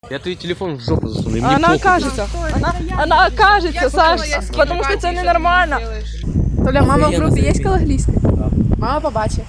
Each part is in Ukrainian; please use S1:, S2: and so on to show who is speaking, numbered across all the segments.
S1: Я твой телефон в жопу засуну.
S2: Она окажется. Она окажется, Саш, потому что это ненормально.
S3: Толя, мама в групі є калаглійська? Мама побачить.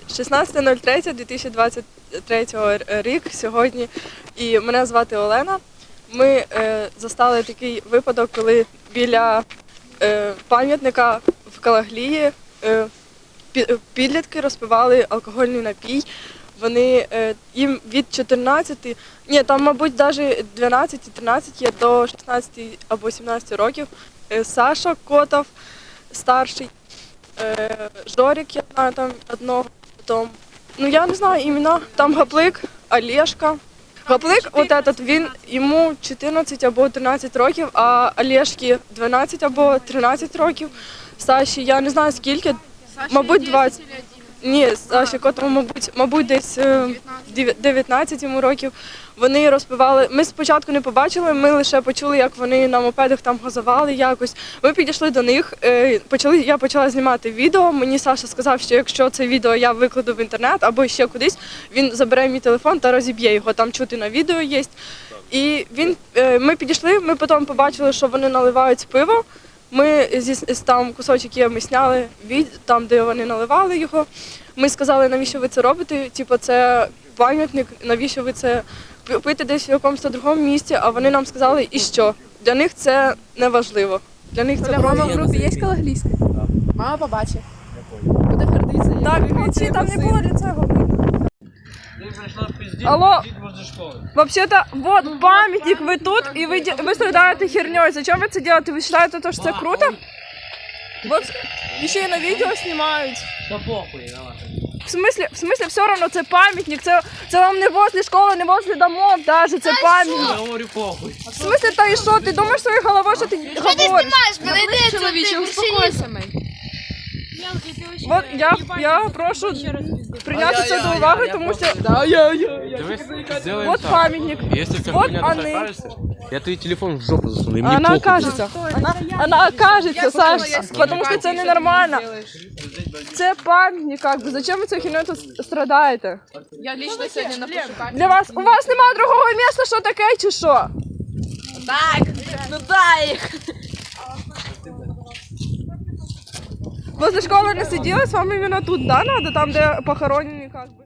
S2: 16.03.2023 рік сьогодні, і мене звати Олена. Ми застали такий випадок, коли біля пам'ятника в Калаглії підлітки розпивали алкогольний напій. Вони їм від 14, ні, там, мабуть, навіть 12-13 є до 16 або 17 років. Саша Котов, старший, Жорик, я знаю там одного, потім, ну я не знаю імена, там Гаплик, Олешка. Гаплик, от этот, він, йому 14 або 13 років, а Олешки 12 або 13 років. Саші, я не знаю скільки, мабуть 20. Ні, Саші Котову, мабуть, десь 19 йому років. Вони розпивали. Ми спочатку не побачили, ми лише почули, як вони на мопедах там газували якось. Ми підійшли до них, я почала знімати відео. Мені Саша сказав, що якщо це відео я викладу в інтернет або ще кудись, він забере мій телефон та розіб'є його, там чути на відео є. І ми підійшли, ми потім побачили, що вони наливають пиво. Ми там кусочок є, ми зняли там, де вони наливали його. Ми сказали, навіщо ви це робите, типу це пам'ятник, навіщо ви це пити десь в якомусь другому місці, а вони нам сказали, і що? Для них це не важливо. Для них це
S3: Толя, мама в групі є калаглійська? Мама побачить.
S2: буде гордитися. Так, молодці, там не було для цього. Алло, вообще-то, вот памятник, вы тут, и вы страдаете херней. Зачем вы это делаете? Вы считаете, что это круто? Вот еще и на видео снимают.
S1: Да похуй, давай.
S2: В смысле, все равно це памятник, це вам не возле школи, не возле домов даже, це памятник.
S1: Я говорю похуй.
S2: В смысле, та і що? Ти думаєш своєю головою, що ти говориш?
S3: Ти знімаєш мене, де чоловіче, успокойся, мей.
S2: Вот я прошу прийняти це до уваги, тому що... Вот памятник, вот они.
S1: Я твой телефон в жопу засуну.
S2: Она окажется. Она окажется, Саш, потому что это ненормально. Це пам'ятник, как бы. Зачем ви цією хернею тут страдаєте?
S3: Я лично сьогодні напишу пам'ятник.
S2: Для вас, у вас немає другого місця, що таке, чи що?
S3: Так, ну дай їх.
S2: Возле школи не сиділи, з вами іменно тут, да, надо? Там, де похоронені, как бы.